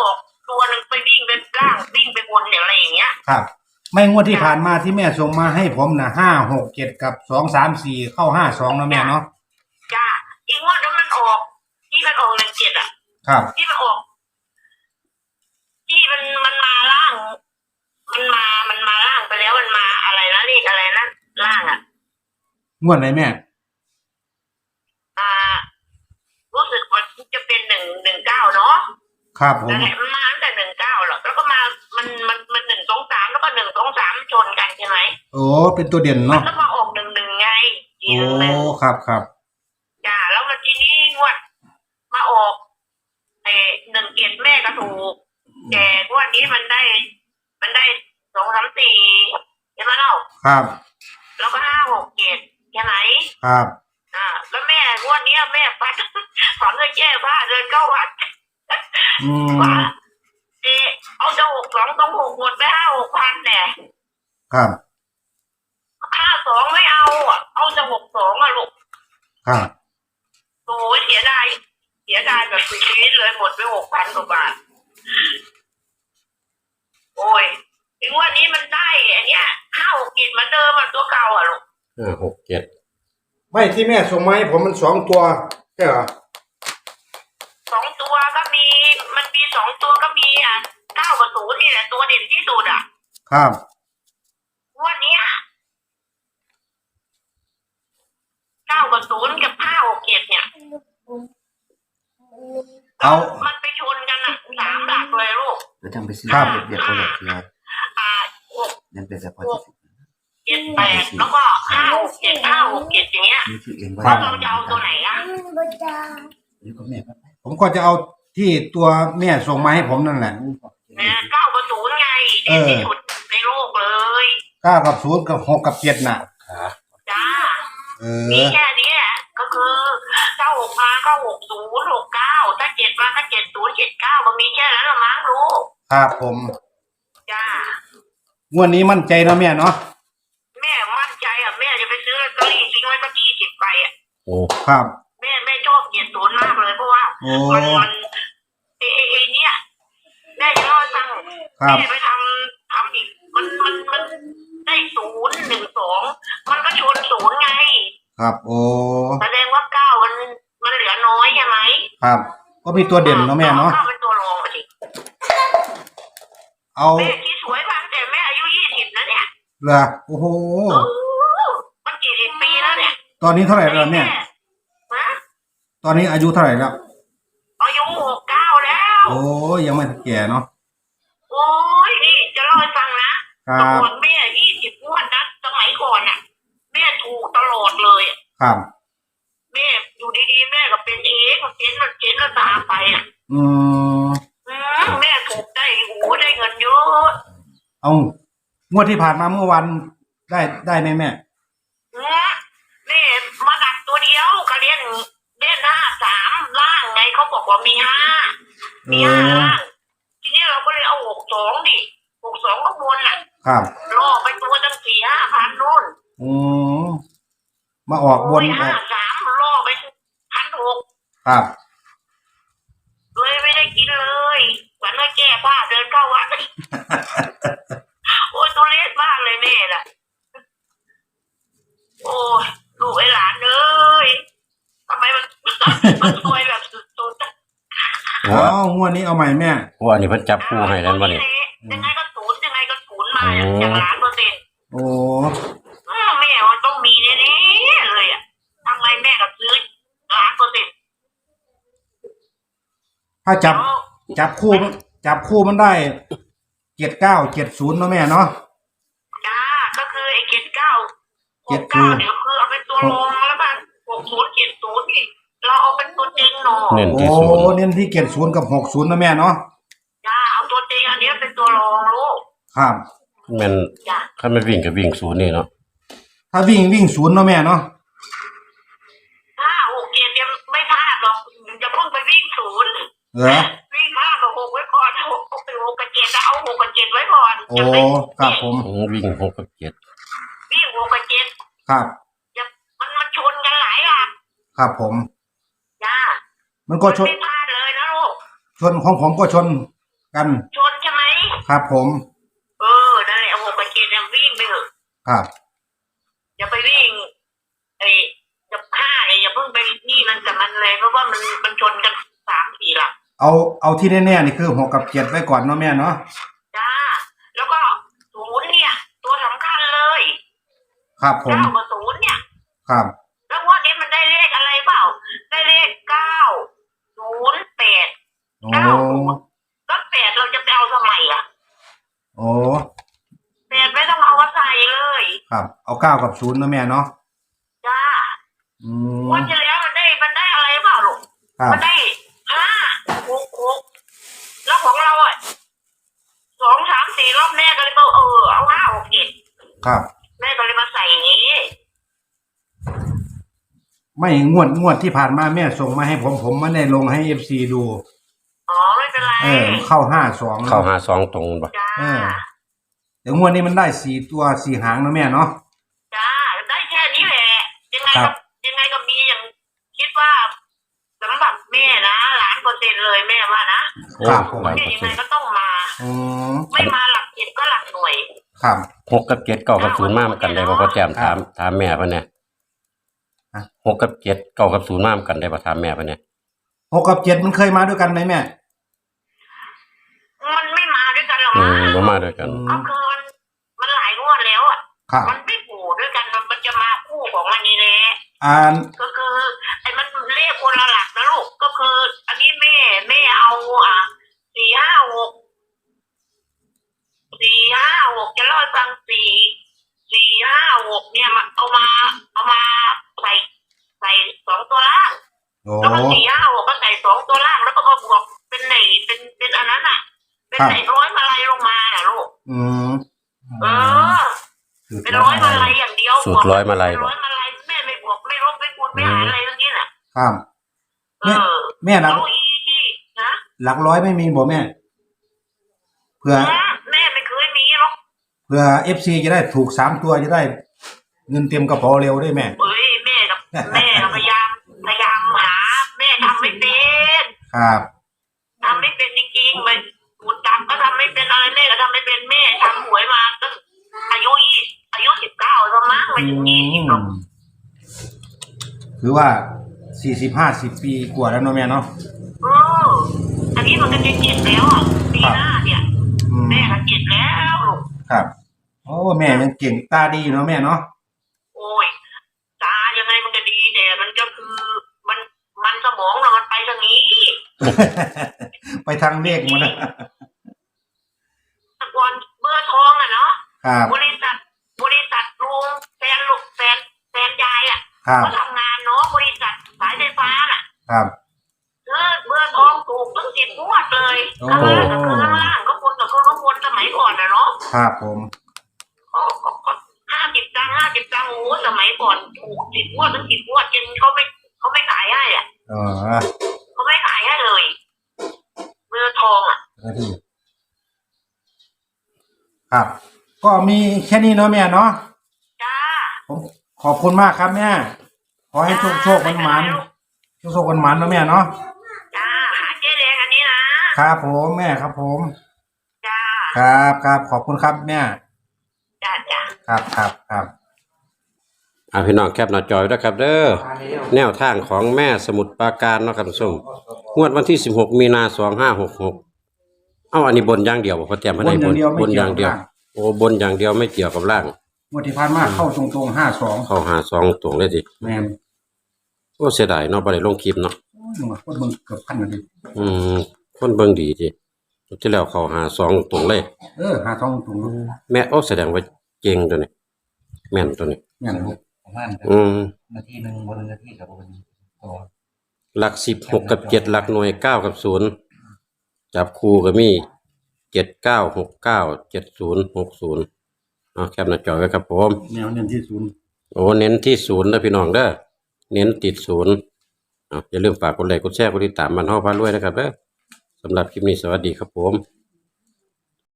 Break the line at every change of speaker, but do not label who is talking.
ออกตัวหนึ่งไปวิ่งไปล่างวิ่งไปบนอะไรอย่างเงี้ย
ครับไม่งวดที่ผ่านมาที่แม่ส่งมาให้ผมนะ5 6 7กับ2 3 4เข้า52แล้วแม่เนาะ
จ้าอีกงวดนั้นมันออกที่มันออก17อ่ะ
ครับ
ที่มันออกที่มันมาล่างมันมาล่างไปแล้วมันมาอะไรนะเลขอะไรนะล่างอ่ะ
งวดไหนแม่
รู้สึกว่าจะเป็น119เนาะ
ครับผม
นั่นแหละมันมาตั้งแต่19หรอกแล้วก็มามัน1 2 3แล้วก็1 2 3ชนกันใช่ไหม
โอ้เป็นตัวเด่นเนาะ
แล้วมาออก11ไง
โอ้ครับครับ
จ้าแล้วมันทีนี้งวดมาออก17แม่ก็ถูกแต่งวดนี้มันได้2 3 4ใช่ไหมเนาะ
ครับ
แล้วก็5 6 7ใช่ไหม
ครับ
แล้วแม่งวดนี้แม่ฝันเลยแย่ผ้าเดินเข้าวัดว่าเอาจะ62ต้อง6หมดไป5-6,000เนี่ย
ครับ
52ไม่เอาจะ62ลูก
ครับ
โอ้ยเสียดายแบบชีวิตเลยหมดไป6,000 กว่าบาทโอ้ยถึงวันนี้มันได้อันเนี้ย5 6 7เหมือนเดิมมันตัวเก่าลูก
5 6 7ไม่ที่แม่ส่งมาให้ผมมัน2ตัวใช่เหรอ
2ตัวก็มีมันมี2ตัวก็มี9 กับ 0นี่แหละตัวเด่นที่สุด
ครับ
วันนี้9 กับ 0กับ5 6 7เนี่ยมันไปชนกัน3 หลักเลยลูก
แล้วจังไปซื้อเบียดเขาแบบนี้ยังเป็นเฉพาะ
7 8แล้วก็5 6 7 5 6 7อย่างเงี้ยแล้วเราจะเอาตัวไหน
นี่ก็แม่
ผมก็จะเอาที่ตัวแม่ส่งมาให้ผมนั่นแหละ
9 กับ 0ไงเด่นที่สุดในโลกเลย
9 กับ 0กับ6 กับ 7น่ะ
จ้ามีแค่นี้ก็คือถ้า6มาก็60 69ถ้า7มาก็70 79ก็มีแค่นั้นละมั้งลูก
ครับผม
จ้าง
วดนี้มั่นใจนะแม่เนาะ
แม่มั่นใจแม่จะไปซื้อลอตเตอรี่ทิ้งไว้สัก20 ใบ
โอ้ครับ
แม่ชอบ70มากเลยเพราะว่ามันเนี่ยแม่จะรอดตั้งแม่ไปทำอีกมันได้0 1 2มันก็ชน0ไง
ครับโอ้
แสดงว่า9มันเหลือน้อยใช่ไหม
ครับก็มีตัวเด่นเนาะแม่เนาะ
9เป็นตัวรองสิ
เอา
แม่ที่สวยพังแต่แม่อายุ20นะเนี่ย
เหรอโอ้โห
มันกี่10 ปีแล้วเนี่ย
ตอนนี้เท่าไหร่แล้วแม่ตอนนี้อายุเท่าไหร่แล้ว
อายุ69แล้ว
โอ้ยังไม่แก่เนาะ
โอ้ยนี่จะเล่าให้ฟังนะตอนแม่20 งวดนะสมัยก่อนแม่ถูกตลอดเลย
ครับ
แม่อยู่ดีๆแม่ก็เป็นเจ๊นแล้วตามไปแม่ถูกได้ได้เงินเยอะ
เอางวดที่ผ่านมาเมื่อวันได้ไหมแม่
แม่มาดักตัวเดียวก็เล่น53ล่างไงเขาบอกว่ามี5ล่างทีนี้เราก็เลยเอา62ดิ62ก็บน
ครับ
ล่อไปตัวตั้ง4-5,000นู่น
มาออกบน
53ล่อไป1,600
ครับ
เลยไม่ได้กินเลยเหมือนว่าแก้ผ้าเดินเข้าวัดโอ้ยตัวเล็กมากเลยแม่ล่ะโอ้ยลูกไอ้หลานเลยทำไมมันสวยแบบสุด
ๆอ๋องวดนี้เอาใหม่แม่
งวดนี้เพิ่นจับคู่ให้แล้วบ่นี่
ยังไงก็0มาอย่าง1,000,000%
โอ้
แม่มันต้องมีแน่ๆเลยทำไมแม่ก็ซื้อ1,000,000%
ถ้าจับคู่มันได้79 70เนาะแม่เนาะ
จ้าก็คือไอ้69 69เดี๋ยวคือเอาเป็นตัวรองแล้วกัน60 70นี่เราเอาเป็นตัวจริงเนาะ
โอ้เน้นที่70กับ60นะแม่เนาะ
จ้าเอาตัวจริงอันนี้เป็นตัวรองลูก
ครับ
มันถ้ามันวิ่งกับวิ่ง0นี่เนาะ
ถ้าวิ่ง0เนาะแม่เนาะ
5 6 7ยังไม่พลาดหรอกจะเพิ่งไปวิ่ง0
เหรอ
วิ่ง5 กับ 6ไว้ก่อน6 กับ 7เอา6 กับ 7ไว้ก่อน
โอ้ครับผม
วิ่ง6 กับ 7
วิ่ง6 กับ 7
ครับ
มันชนกันหลายอ่ะ
ครับผม
จ้า
มันก็ชน
ไม่พลาดเลยนะลูก
ชนของผมก็ชนกัน
ชนใช่ไหม
ครับผม
นั่นแหละ6 กับ 7เนี่ยวิ่งไปเถอะ
ครับ
อย่าไปวิ่งกับ5เนี่ยอย่าเพิ่งไปนี่มันกับมันเลยเพราะว่ามันชนกัน3-4 หลัก
เอาที่แน่ๆนี่คือ6 กับ 7ไว้ก่อนเนาะแม่เนาะ
จ้าแล้วก็0เนี่ยตัวสำคัญเลย
ครับผม
9 กับ 0เนี่ย
ครับ
แล้วงวดนี้มันได้เลขอะไรเปล่าได้เลข908
โอ้
ก็8เราจะไปเอาทำไมอ่ะ
โอ้
8ไม่ต้องเอามาใส่เลย
ครับเอา9 กับ0เนาะแม่เนาะ
จ้า
อื
ง
ม
วดที่แล้วมันได้อะไรเปล่าลูก
ครับ
มันได้5-6-6แล้วของเราอ่ะ2-3-4 รอบแม่ก็เลยบอกเอา5-6-7
ครับ
แม่ก็เลยมาใส่อย่างนี้
ไม่งวดที่ผ่านมาแม่ส่งมาให้ผมไม่ได้ลงให้ FC ดู
ไม่เป็นไร
เข้า52
เข้าหา2ตรงบ่
จ้า
เดี๋ยวงวดนี้มันได้4 ตัว4 หางเนาะแม่เนาะ
จ้าได้แค่นี้แหละยังไง
ครั
ก็
บ
ยังไงก็มีอย่างคิดว่าสำหรับแม่นะ1,000,000%เลยแม่ว่านะครับ
ผม
แม่ยังไงก็ต้องมา
อืม
ไม่มาหลักเจ็ดก็หลักหน่วย
ครับ
6 กับ 7 9 กับ 0 มาเหมือนกันได้บ่พ่อแจ่มถามแม่เพิ่นเนี่ย
ฮะ
6 กับ 7 9 กับ 0 มาเหมือนกันได้บ่ถามแม่เพิ่นเนี่ย
6 กับ 7มันเคยมาด้วยกันไหมแม่
มันไม่มาด้วยกันหรอก
บ่มาด้วยกัน
ก็คือมันหลายงวดแล้วอ่ะ
ครับ
มันไม่ผูด้วยกันมันจะมาคู่ของมันนี่แหละ ก็คือมันเลขคนละหลักนะลูกก็คือ อันนี้แม่เอา4-5-6จะเล่าให้ฟัง4-5-6เนี่ยมันเอามาใส่2 ตัวล่าง
โอ้
แล้วก็4-5-6ก็ใส่2 ตัวล่างแล้วก็มาบวกเป็นไหนเป็นอันนั้นอ่ะ เป็นไหนร้อยมาลัยลงมาน่ะลูก
อืม
เป็นร้อยมาลัยอย่างเดียว
สูตรร้อยมาลัย
ร้อยมาลัยแม่ไม่บวกไม่ลบไม่คูณไม่หารอะไรทั้งนี้น่ะ
ครับ แม่หลัก
เอาอีที่นะ
หลักร้อยไม่มีบ่แม่เผื่อ
แม่ไม่เคยมีหรอก
เผื่อ FC จะได้ถูก3 ตัวจะได้ เงินเต็มกระเป๋าเร็วได้แม่
เอ้ยแม่พยายามหาแม่ทำไม่เป็น
ครับ
ทำไม่เป็นจริงๆมันหูจับก็ทำไม่เป็นอะไรแม่ก็ทำไม่เป็นแม่ทำหวยมาตั้งอายุ19แล้วมั้งไม่ถึง20หรอก
คือว่า40-50 ปีกว่าแล้วเนาะแม่เนาะ
อันนี้มันก็จะ7แล้วอ่ะปีหน้าเนี่ย แม่ก็7แล้วลูก
ครับโอ้แม่ยังเก่งตาดีเนาะแม่เนาะ
โอ้ยตายังไงมันก็ดีแต่มันก็คือมันสมองเรามันไปทางนี้
ไปทางเลขหมดนะ
ตะกอนเบอร์ทองอ่ะเนาะ
ครับ
บริษัทลุงแฟนยายอ่ะ
ครับ
ก็ทำงานเนาะบริษัทสายไฟฟ้าน่ะ
ครับ
เบอร์ทองถูกตั้ง10 งวดเลย
โอ้
ข้างล่างกับข้างล่างก็คนกับข้างบนสมัยก่อนนะเนาะ
ครับผม
ก็50 ตังค์โอ้สมัยก่อนถูก10 งวดตั้ง10 งวดจนเขาไม่ขายให้อ่ะ เขาไม่ขายให้เลยเบอร์ทองอ่ะ
ครับ ก็มีแค่นี้เนาะแม่เนาะ
จ้า
ผมขอบคุณมากครับแม่ขอให้โชคมันมันโชคมันมันเนาะแม่เนาะ
จ้าหาเจ๊แดงอันนี้นะครับ
ผมแม่ครับผม
จ้า
ครับขอบคุณครับแม่
จ้า
ครับ
พี่น้องแคปหน้าจอยด้วยครับเด้อแนวทางของแม่สมุทรปราการเนาะครับท่านผู้ชมงวดวันที่16 มีนา2566อันนี้บนอย่างเดียวบ่พ่อแจ่มบ่ได้บนอย่างเดียวโอ้บนอย่างเดียวไม่เกี่ยวกับล่าง
งวดที่ผ่านมาเข้าตรงๆ52
เข้าหา2ตรงเลยดิ
แม่น
โอ้เสียดายเนาะบ่ได้ลงคลิปเนาะ
คนเบิ่งเกือบพันเลย
คนเบิ่งดีติที่แล้วเข้าหา2ตรงเลย
52ตรง
แม่โอ้แสดงว่าเก่งตัวนี้แม่นตัวนี้
แม่น
ประมาณ นาทีหนึ่งบนนาทีกับบนตัว
หลัก10 6กับ7หลักหน่วย9กับ0จับคู่ก็มี7969 7060แคปหน้าจอไว้ครับผม
แนวเน้นที่0
โอ้เน้นที่0นะพี่น้องเด้อเน้นติด0อย่าลืมฝากกดไลค์กดแชร์กดติดตามมันฮ้อพารวยนะครับเด้อสำหรับคลิปนี้สวัสดีครับผม